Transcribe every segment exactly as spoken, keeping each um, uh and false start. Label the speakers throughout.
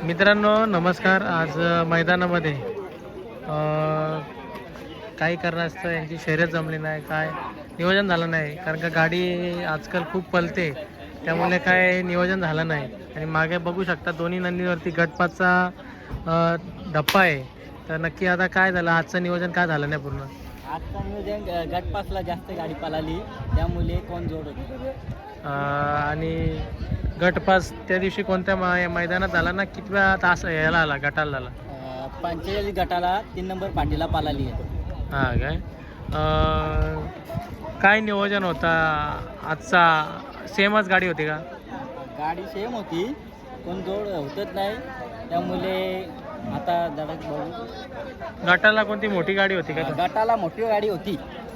Speaker 1: मित्रांनो नमस्कार. आज अ, मैदानामध्ये अ, काही कारणास्तव यांची शर्यत जमली नाही, काय नियोजन झालं नाही, कारण का गाडी आजकाल खूप पलते, त्यामुळे काय नियोजन झालं नाही. आणि मागे बघू शकता दोन्ही नंदीवरती गटपातचा अ, धप्पा आहे. तर नक्की आता काय झालं, आजचं नियोजन काय झालं नाही पूर्ण.
Speaker 2: आजचा नियोजन ग- गटपासला जास्त गाडी पळाली त्यामुळे कोण जोड होती.
Speaker 1: अ, आणि गटपास त्या दिवशी कोणत्या मै मैदानात झाला ना, कितव्या तास यायला आला गटाला झाला.
Speaker 2: अं, पंचेचाळीस गटाला तीन नंबर पाटीला पळाली आहे.
Speaker 1: हां काय अ, काय नियोजन होता आजचा, सेमच गाडी होती का.
Speaker 2: गाडी सेम होती, कोण जोड होतच नाही त्यामुळे आता धडक बघू.
Speaker 1: गटाला कोणती मोठी गाडी होती का.
Speaker 2: अं, गटाला मोठी गाडी होती,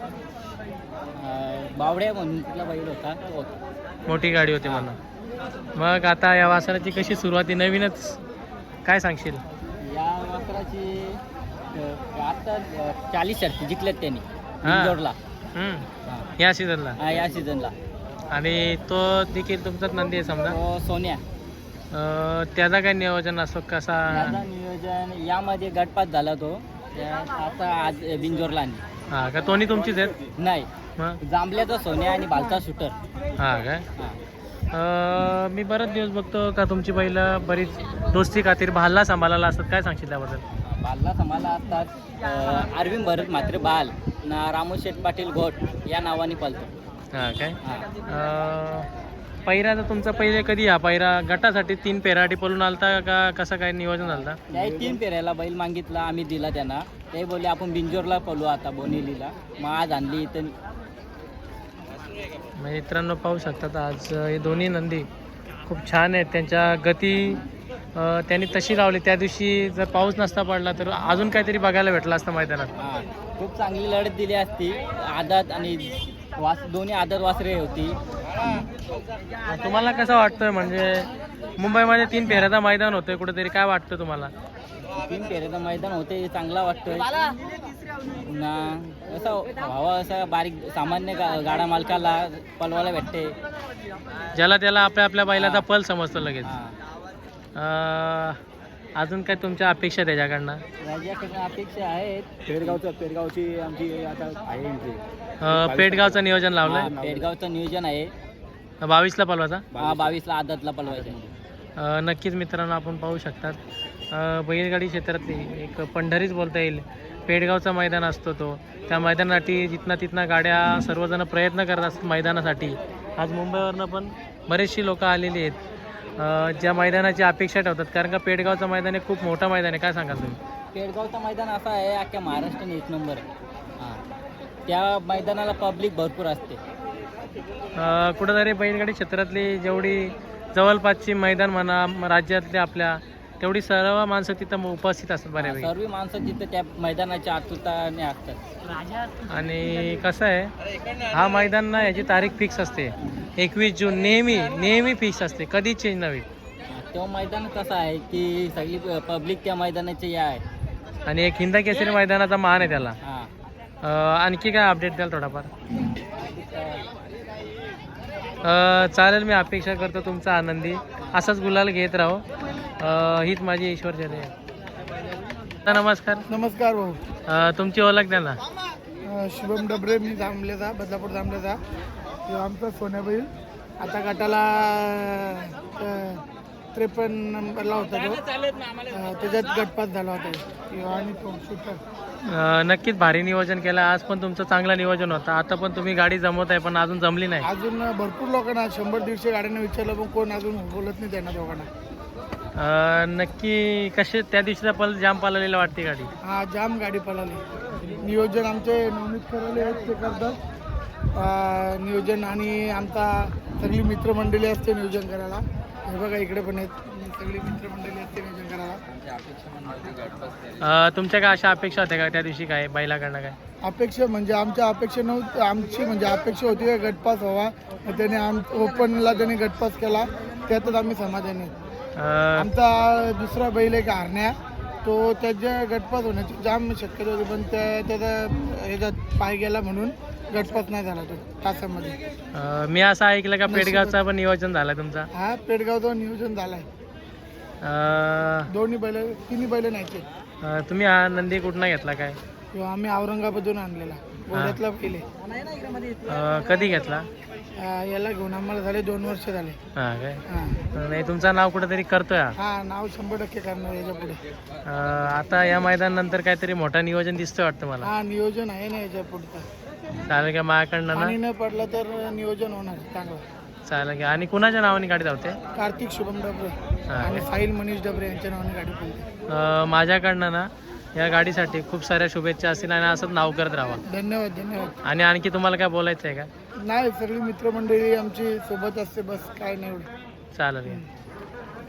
Speaker 2: अं, बावड्या म्हणून तिथला बैल होता तो होता.
Speaker 1: मोठी गाडी होती म्हणा. मग आता या वासराची कशी सुरुवाती, नवीनच काय सांगशील.
Speaker 2: या वासराची अं, आता अं, चाळीस शर्ती जिंकल्यात त्यांनी
Speaker 1: हा.
Speaker 2: जोडला
Speaker 1: हम्म. या सीझनला.
Speaker 2: या सीझनला.
Speaker 1: आणि तो देखील तुमचाच नंदी आहे समजा.
Speaker 2: तो सोन्या.
Speaker 1: अ, त्याचा काय नियोजन असतो कसा.
Speaker 2: त्याचा नियोजन यामध्ये गटपात झाला तो त्या आता आज बिंजोरला आणली.
Speaker 1: हां का, दोन्ही तुमचीच आहेत.
Speaker 2: नाही,
Speaker 1: मग
Speaker 2: जांभल्याचा सोन्या आणि बालचा शूटर.
Speaker 1: हां काय अ, मी बरेच दिवस बघतो का तुमची पहिलं बरीच दोस्ती खातीर भालला सांभाळायला असतात, काय सांगशील त्याबद्दल.
Speaker 2: बालला समाला असतात. अं, अरविंद भरत मात्रे बाल ना रामू शेठ पाटील घोट या नावाने पळतो.
Speaker 1: हां काय
Speaker 2: हा.
Speaker 1: अ, पैरा तर तुमचा पहिले कधी हा पैरा गटासाठी तीन पेराटी पळून आलता का, कसं काय नियोजन झालं.
Speaker 2: त्याही तीन पेऱ्याला बैल मागितला, आम्ही दिला त्यांना. ते बोलले आपण बिंजोरला पळू आता बोनेलीला. मग आज आणली इथं.
Speaker 1: मित्रांनो पाहू शकतात आज हे दोन्ही नंदी खूप छान आहेत. त्यांच्या गती अ, त्यांनी तशी लावली. त्या दिवशी जर पाऊस नसता पडला तर अजून काहीतरी बघायला भेटलं असतं मैदानात.
Speaker 2: हा, खूप चांगली लढत दिली असती. आदत आणि वास दोन्ही आदत वासरे होती.
Speaker 1: तुम्हाला कसं वाटतंय, म्हणजे मुंबईमध्ये तीन फेऱ्याचा मैदान होतंय कुठेतरी, काय वाटतं तुम्हाला.
Speaker 2: तीन पेरेचं मैदान होते, चांगला वाटतोय ना. असं व्हावं, असं बारीक सामान्य गा गाडा मालकाला पलवायला भेटते.
Speaker 1: ज्याला त्याला आपल्या आपल्या बैलाचा पल समजतो लगेच.
Speaker 2: हा.
Speaker 1: अ, अजून काय तुमच्या अपेक्षा त्याच्याकडनं.
Speaker 2: राज्याकडून अपेक्षा आहेत. पेडगावचं पेडगावची आमची आता आहे एंट्री.
Speaker 1: अ, पेडगावचं नियोजन लावलंय.
Speaker 2: पेडगावचं नियोजन आहे.
Speaker 1: बावीसला पलवाचा.
Speaker 2: हा, बावीसला आदतला पलवायचं.
Speaker 1: अ, नक्कीच मित्रांनो आपण पाहू शकतात अ, बैलगाडी क्षेत्रातली एक पंढरीच बोलता येईल. पेडगावचा मैदान असतो तो, त्या मैदानासाठी जिथना तिथना गाड्या सर्वजण प्रयत्न करत असतात मैदानासाठी. आज मुंबईवरनं पण बरेचशी लोक आलेली आहेत अ, ज्या मैदानाची अपेक्षा ठेवतात, कारण का पेडगावचं मैदान हे खूप मोठं मैदान आहे. काय सांगाल तुम्ही.
Speaker 2: पेडगावचं मैदान असं आहे, अख्ख्या महाराष्ट्राने एक नंबर आहे. हां, त्या मैदानाला पब्लिक भरपूर असते.
Speaker 1: अ, कुठंतरी बैलगाडी क्षेत्रातली जेवढी जवळपासची मैदान म्हणा म- राज्यातल्या आपल्या, तेवढी सर्व माणसं तिथं उपस्थित असतात बऱ्यापैकी.
Speaker 2: सर्व माणसं तिथे त्या मैदानाच्या आतुरताने असतात.
Speaker 1: आणि कसं आहे, हा मैदान ना याची तारीख फिक्स असते एकवीस जून, नेहमी नेहमी फिक्स असते, कधीच चेंज नव्हे.
Speaker 2: तो मैदान कसं आहे की सगळी पब्लिक त्या मैदानाची या आहे.
Speaker 1: आणि एक हिंदा केसरी मैदानाचा मान आहे त्याला.
Speaker 2: हां,
Speaker 1: अ, आणखी काय अपडेट द्याल थोडाफार. अ, चालेल, मी अपेक्षा करतो तुमचा आनंदी असाच गुलाल घेत राहो. अ, हीच माझी ईश्वर जय आहे. नमस्कार.
Speaker 3: नमस्कार भाऊ.
Speaker 1: अ, तुमची ओळख द्या ना.
Speaker 3: अ, शुभम डबरे, मी जांभलेचा, बदलापूर जांभलेचा. तो आमचा सोन्याबैल आता गटाला त्रेपन्न नंबरला होता तो. अ, त्याच्यात गटपात झाला होता किंवा आणि तो शूटर.
Speaker 1: अ, नक्कीच भारी नियोजन केलं. आज पण तुमचं चांगलं नियोजन होतं. आता पण तुम्ही गाडी जमवत आहे, पण अजून जमली नाही.
Speaker 3: अजून भरपूर लोकांना शंभर दीडशे गाड्यांना विचारलं, पण कोण अजून बोलत नाही त्यांना दोघांना.
Speaker 1: अ, नक्की कसे त्या दिवशीचा पल जाम पाळलेला वाटते गाडी.
Speaker 3: हा, जाम गाडी पळाली. नियोजन आमचे नवनीत करायला आहेत, ते करतात अ, नियोजन. आणि आमचा सगळी मित्रमंडळी असते नियोजन करायला. हे बघा इकडे पण आहेत, सगळी मित्रमंडळी असते नियोजन करायला.
Speaker 1: अ, तुमच्या काय अशा अपेक्षा होत्या का त्या दिवशी, काय बैलाकडनं काय.
Speaker 3: अपेक्षा म्हणजे आमच्या अपेक्षा नव्हती, आमची म्हणजे अपेक्षा होती का गटपास व्हावा. मग त्याने आम ओपनला त्याने गटपास केला, त्यातच आम्ही समाधानी.
Speaker 1: अ,
Speaker 3: आमचा दुसरा बैल एक हरण्या, तो त्याच्या गटपास होण्याची जाम शक्यता होती, पण त्या त्याचा ह्याच्यात पाय गेला म्हणून गटपात नाही झाला तो तासामध्ये.
Speaker 1: अ, मी असं ऐकलं का पेडगावचा पण नियोजन झालं तुमचा.
Speaker 3: हा, पेडगावचं नियोजन झालाय.
Speaker 1: अं,
Speaker 3: दोन्ही बैल तिन्ही बैल न्यायचे.
Speaker 1: अं, तुम्ही हा नंदी कुठनं घेतला काय?
Speaker 3: किंवा आम्ही औरंगाबादून आणलेला घोड्यातला बैल आहे.
Speaker 1: अं, कधी घेतला?
Speaker 3: अं, याला घेऊन आम्हाला झाले दोन वर्ष झाले.
Speaker 1: हां काय?
Speaker 3: हां
Speaker 1: नाही तुमचं नाव कुठंतरी करतोय हा.
Speaker 3: हा नाव शंभर टक्के करणार याच्या पुढे.
Speaker 1: अं, आता या मैदानानंतर काहीतरी मोठा नियोजन दिसतंय वाटतं मला.
Speaker 3: हा नियोजन आहे ना याच्या पुढचं.
Speaker 1: चालेल का माझ्याकडनं
Speaker 3: पाणी
Speaker 1: ना?
Speaker 3: न पडलं तर नियोजन होणार चांगलं.
Speaker 1: चालेल का? आणि कुणाच्या नावाने गाडी धावते?
Speaker 3: कार्तिक शुभम डबरे
Speaker 1: हा.
Speaker 3: आणि साहिल मनीष डबरे यांच्या नावाने गाडी पडली.
Speaker 1: अं, माझ्याकडनं ना या गाडीसाठी खूप साऱ्या शुभेच्छा असतील आणि असंच नाव करत राहा.
Speaker 3: धन्यवाद धन्यवाद.
Speaker 1: आणि आणखी तुम्हाला काय बोलायचं आहे का?
Speaker 3: नाही सगळी मित्रमंडळी आमची सोबत असते बस काय नाही एवढं.
Speaker 1: चालेल का?